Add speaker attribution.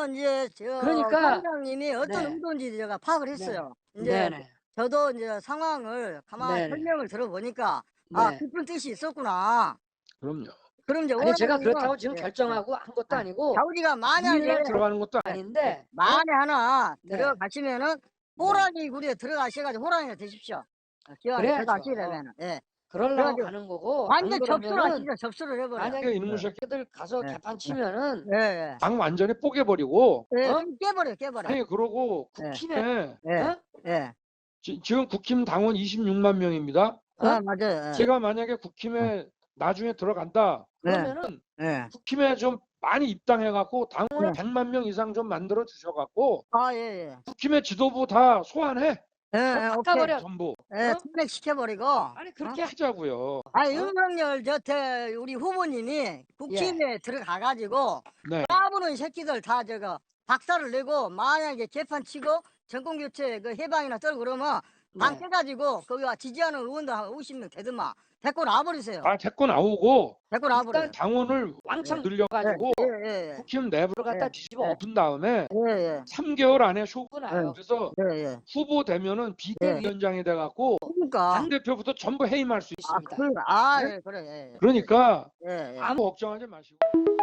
Speaker 1: 그거는 이제
Speaker 2: 그러니까
Speaker 1: 사장님이 어떤
Speaker 2: 네.
Speaker 1: 의도인지 제가 파악을 했어요. 이제
Speaker 2: 네네.
Speaker 1: 저도 이제 상황을 가만히
Speaker 2: 네네.
Speaker 1: 설명을 들어보니까 아,
Speaker 2: 네.
Speaker 1: 깊은 뜻이 있었구나.
Speaker 3: 그럼요.
Speaker 1: 그럼 이제
Speaker 2: 아니 제가
Speaker 1: 원하는
Speaker 2: 그렇다고 지금
Speaker 1: 예, 예.
Speaker 2: 결정하고 한 것도
Speaker 1: 아,
Speaker 2: 아니고
Speaker 1: 자우리가 만약에
Speaker 3: 이해가 들어가는 것도
Speaker 1: 예, 예,
Speaker 2: 아닌데
Speaker 1: 만에 하나
Speaker 2: 네.
Speaker 1: 들어가시면은
Speaker 2: 네.
Speaker 1: 호랑이 굴에 들어가셔가지고 호랑이가 되십시오. 기왕에
Speaker 2: 그래야죠.
Speaker 1: 들어가시게 되면은 예.
Speaker 2: 그러려고
Speaker 1: 그래가지고
Speaker 2: 가는 거고 안
Speaker 1: 완전 접수를
Speaker 2: 그러면은
Speaker 1: 하시죠. 접수를 해버려.
Speaker 2: 만약에
Speaker 3: 이놈의 새끼
Speaker 2: 새끼들 가서
Speaker 1: 예,
Speaker 2: 개판 치면은
Speaker 1: 예, 예.
Speaker 3: 당 완전히 뽀개버리고
Speaker 1: 예,
Speaker 2: 어?
Speaker 1: 그럼 깨버려.
Speaker 3: 아니 그러고
Speaker 1: 예,
Speaker 3: 국힘에
Speaker 1: 예,
Speaker 2: 어?
Speaker 1: 예.
Speaker 3: 지금 국힘 당원 26만 명입니다.
Speaker 1: 아, 맞아요. 예.
Speaker 3: 제가 만약에 국힘에 나중에 들어간다
Speaker 1: 예,
Speaker 2: 그러면은
Speaker 1: 예.
Speaker 3: 국힘에 좀 많이 입당해갖고 당원을
Speaker 1: 네.
Speaker 3: 100만 명 이상 좀 만들어 주셔갖고
Speaker 1: 아, 예, 예.
Speaker 3: 국힘의 지도부 다 소환해
Speaker 1: 예, 예, 오케이.
Speaker 2: 바꿔버려.
Speaker 3: 전부
Speaker 1: 예,
Speaker 2: 어?
Speaker 1: 탄핵시켜버리고.
Speaker 2: 아니
Speaker 1: 어?
Speaker 2: 그렇게
Speaker 3: 하자고요.
Speaker 1: 아, 윤석열 우리 후보님이 국힘에 들어가가지고
Speaker 3: 네.
Speaker 1: 까부는 새끼들 다 박살을 내고 만약에 개판 치고 정권교체 해방이나 떨고 그러면 당
Speaker 2: 네.
Speaker 1: 깨가지고 거기 지지하는 의원들 한 50명 되더만 데리고 나와버리세요.
Speaker 3: 아 데리고 나오고
Speaker 1: 데리고 나와버려요.
Speaker 2: 일단
Speaker 3: 당원을
Speaker 2: 왕창
Speaker 3: 늘려가지고
Speaker 1: 예, 예,
Speaker 3: 국힘 내부를
Speaker 2: 갖다
Speaker 1: 예.
Speaker 2: 뒤집어
Speaker 3: 엎은 다음에
Speaker 1: 예, 예.
Speaker 3: 3개월 안에 쇼부
Speaker 2: 나요.
Speaker 3: 그래서
Speaker 1: 예, 예.
Speaker 3: 후보 되면은 비대위원장이 돼갖고
Speaker 1: 그러니까.
Speaker 3: 당 대표부터 전부 해임할 수
Speaker 1: 아,
Speaker 3: 있습니다.
Speaker 1: 아,
Speaker 3: 네?
Speaker 1: 예, 그래. 예,
Speaker 3: 그러니까
Speaker 1: 예, 예.
Speaker 3: 아무 걱정하지 마시고.